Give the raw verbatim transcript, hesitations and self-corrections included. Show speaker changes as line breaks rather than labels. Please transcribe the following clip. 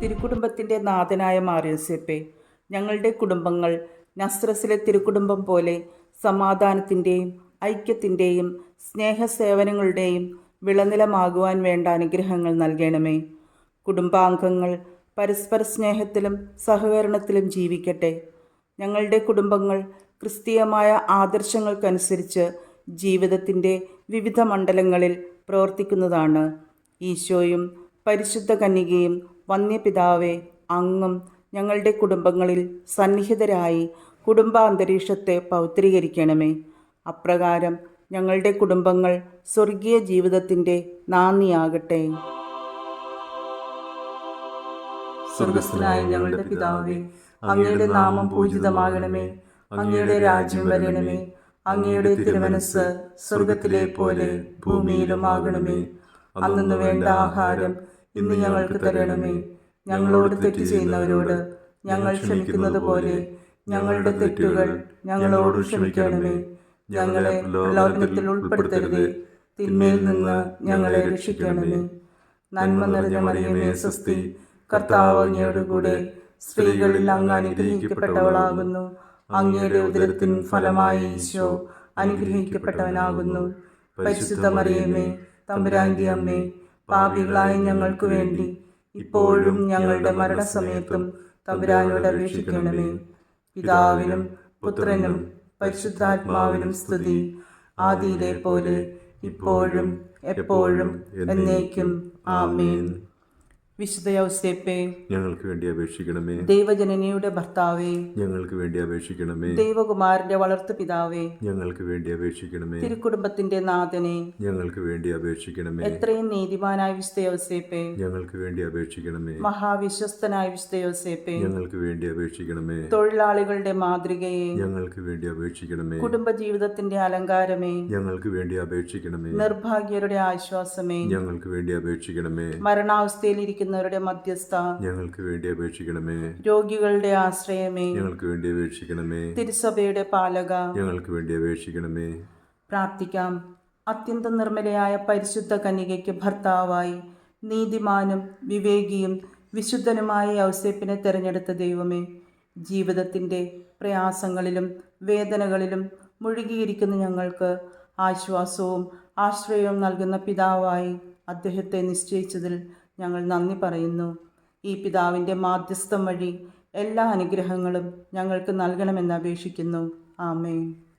തിരുക്കുടുംബത്തിൻ്റെ നാഥനായ മാർയോസേപ്പേ, ഞങ്ങളുടെ കുടുംബങ്ങൾ നസ്രസിലെ തിരുക്കുടുംബം പോലെ സമാധാനത്തിൻ്റെയും ഐക്യത്തിൻ്റെയും സ്നേഹസേവനങ്ങളുടെയും വിളനിലമാകുവാൻ വേണ്ട അനുഗ്രഹങ്ങൾ നൽകണമേ. കുടുംബാംഗങ്ങൾ പരസ്പര സ്നേഹത്തിലും സഹകരണത്തിലും ജീവിക്കട്ടെ. ഞങ്ങളുടെ കുടുംബങ്ങൾ ക്രിസ്തീയമായ ആദർശങ്ങൾക്കനുസരിച്ച് ജീവിതത്തിൻ്റെ വിവിധ മണ്ഡലങ്ങളിൽ പ്രവർത്തിക്കുന്നതാണ്. ഈശോയും പരിശുദ്ധ കന്യകയും വന്യപിതാവേ, അങ്ങും ഞങ്ങളുടെ കുടുംബങ്ങളിൽ സന്നിഹിതരായി കുടുംബാന്തരീക്ഷത്തെ പൗത്രീകരിക്കണമേ. അപ്രകാരം ഞങ്ങളുടെ കുടുംബങ്ങൾ സ്വർഗീയ ജീവിതത്തിൻ്റെ നാന്ദിയാകട്ടെ. സ്വർഗസ്ഥനായ ഞങ്ങളുടെ പിതാവേ, അങ്ങയുടെ നാമം പൂജിതമാകണമേ. അങ്ങയുടെ രാജ്യം വരണമേ. അങ്ങയുടെ തിരുമനസ്സ് സ്വർഗത്തിലെ പോലെ ഭൂമിയിലും ആകണമേ. അന്നു വേണ്ട ആഹാരം ഇന്ന് ഞങ്ങൾക്ക് തരണമേ. ഞങ്ങളോട് തെറ്റ് ചെയ്യുന്നവരോട് ഞങ്ങൾ ക്ഷമിക്കുന്നത് പോലെ ഞങ്ങളുടെ തെറ്റുകൾ ഞങ്ങളോട് ക്ഷമിക്കണമേ. ഞങ്ങളെ പ്രലോഭനത്തിൽ ഉൾപ്പെടുത്തരുതേ, തിന്മയിൽ നിന്ന് ഞങ്ങളെ രക്ഷിക്കണമേ. നന്മ നിറഞ്ഞ മറിയമേ സ്വസ്തി, കർത്താവ് അങ്ങയോടുകൂടെ സ്ത്രീകളിൽ അങ്ങ് അനുഗ്രഹിക്കപ്പെട്ടവളാകുന്നു. അങ്ങയുടെ ഉദരത്തിൻ ഫലമായി ഈശോ അനുഗ്രഹിക്കപ്പെട്ടവനാകുന്നു. പരിശുദ്ധ മറിയമേ, തമ്പുരാന്റെ അമ്മേ, പാപികളായ ഞങ്ങൾക്ക് വേണ്ടി ഇപ്പോഴും ഞങ്ങളുടെ മരണസമയത്തും തമ്പുരാനോട് അപേക്ഷിക്കണമേ. പിതാവിനും പുത്രനും പരിശുദ്ധാത്മാവിനും സ്തുതി, ആദിയിലെ പോലെ ഇപ്പോഴും എപ്പോഴും എന്നേക്കും. ആമേൻ. വിശുദ്ധ യൗസേപ്പേ,
ഞങ്ങൾക്ക് വേണ്ടി അപേക്ഷിക്കണമേ.
ദൈവജനനിയുടെ ഭർത്താവേ,
ഞങ്ങൾക്ക് വേണ്ടി അപേക്ഷിക്കണമേ.
ദൈവകുമാരന്റെ വളർത്തു പിതാവേ,
ഞങ്ങൾക്ക് വേണ്ടി അപേക്ഷിക്കണമേ.
തിരുക്കുടുംബത്തിന്റെ നാഥനെ,
ഞങ്ങൾക്ക് വേണ്ടി അപേക്ഷിക്കണമേ.
എത്രയും നീതിമാനായ വിശുദ്ധ യൗസേപ്പേ,
ഞങ്ങൾക്ക് വേണ്ടി അപേക്ഷിക്കണമേ.
മഹാവിശ്വസ്തനായ വിശുദ്ധ യൗസേപ്പേ,
ഞങ്ങൾക്ക് വേണ്ടി അപേക്ഷിക്കണമേ.
തൊഴിലാളികളുടെ മാതൃകയെ,
ഞങ്ങൾക്ക് വേണ്ടി അപേക്ഷിക്കണമേ.
കുടുംബജീവിതത്തിന്റെ അലങ്കാരമേ,
ഞങ്ങൾക്ക് വേണ്ടി അപേക്ഷിക്കണമേ.
നിർഭാഗ്യരുടെ ആശ്വാസമേ,
ഞങ്ങൾക്ക് വേണ്ടി അപേക്ഷിക്കണമേ.
മരണാവസ്ഥയിലിരിക്കുന്ന മധ്യസ്ഥ,
ഞങ്ങൾക്ക് വേണ്ടി അപേക്ഷിക്കണമേ.
രോഗികളുടെ ആശ്രയമേ,
ഞങ്ങൾക്ക് വേണ്ടി അപേക്ഷിക്കണമേ.
തിരുസഭയുടെ പാലക,
ഞങ്ങൾക്ക് വേണ്ടി അപേക്ഷിക്കണമേ.
പ്രാർത്ഥിക്കാം. അത്യന്തം നിർമ്മലയായ പരിശുദ്ധ കന്യകയ്ക്ക് ഭർത്താവായി നീതിമാനും വിവേകിയും വിശുദ്ധനുമായ യൗസേപ്പിനെ തെരഞ്ഞെടുത്ത ദൈവമേ, ജീവിതത്തിൻ്റെ പ്രയാസങ്ങളിലും വേദനകളിലും മുഴുകിയിരിക്കുന്ന ഞങ്ങൾക്ക് ആശ്വാസവും ആശ്രയവും നൽകുന്ന പിതാവായി അദ്ദേഹത്തെ നിശ്ചയിച്ചതിൽ ഞങ്ങൾ നന്ദി പറയുന്നു. ഈ പിതാവിൻ്റെ മാധ്യസ്ഥം വഴി എല്ലാ അനുഗ്രഹങ്ങളും ഞങ്ങൾക്ക് നൽകണമെന്ന് അപേക്ഷിക്കുന്നു. ആമേൻ.